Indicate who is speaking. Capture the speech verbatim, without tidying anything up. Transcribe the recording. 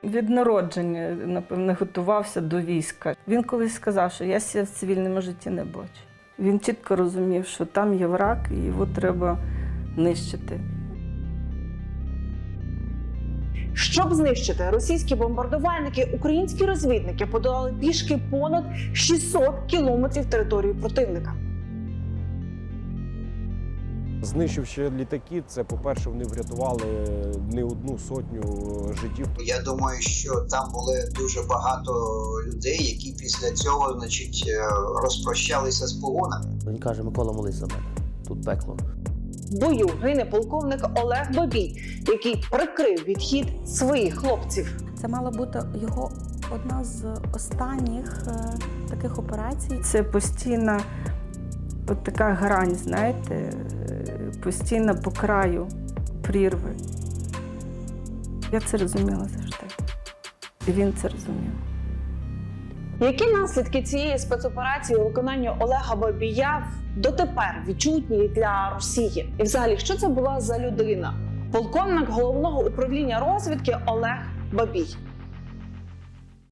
Speaker 1: Від народження, напевно, готувався до війська. Він колись сказав, що я себе в цивільному житті не бачу. Він чітко розумів, що там є враг і його треба нищити.
Speaker 2: Щоб знищити російські бомбардувальники, українські розвідники подолали пішки понад шістсот кілометрів території противника.
Speaker 3: Знищивши літаки, це, по-перше, вони врятували не одну сотню життів.
Speaker 4: Я думаю, що там були дуже багато людей, які після цього, значить, розпрощалися з погонами.
Speaker 5: Він каже: Микола, молись за мене, тут пекло.
Speaker 2: В бою гине полковник Олег Бабій, який прикрив відхід своїх хлопців.
Speaker 6: Це мала бути його одна з останніх е, таких операцій.
Speaker 1: Це постійна от така грань, знаєте, постійно по краю прірви. Я це розуміла завжди. І він це розумів.
Speaker 2: Які наслідки цієї спецоперації у виконанні Олега Бабія дотепер відчутні для Росії? І взагалі, що це була за людина? Полковник головного управління розвідки Олег Бабій.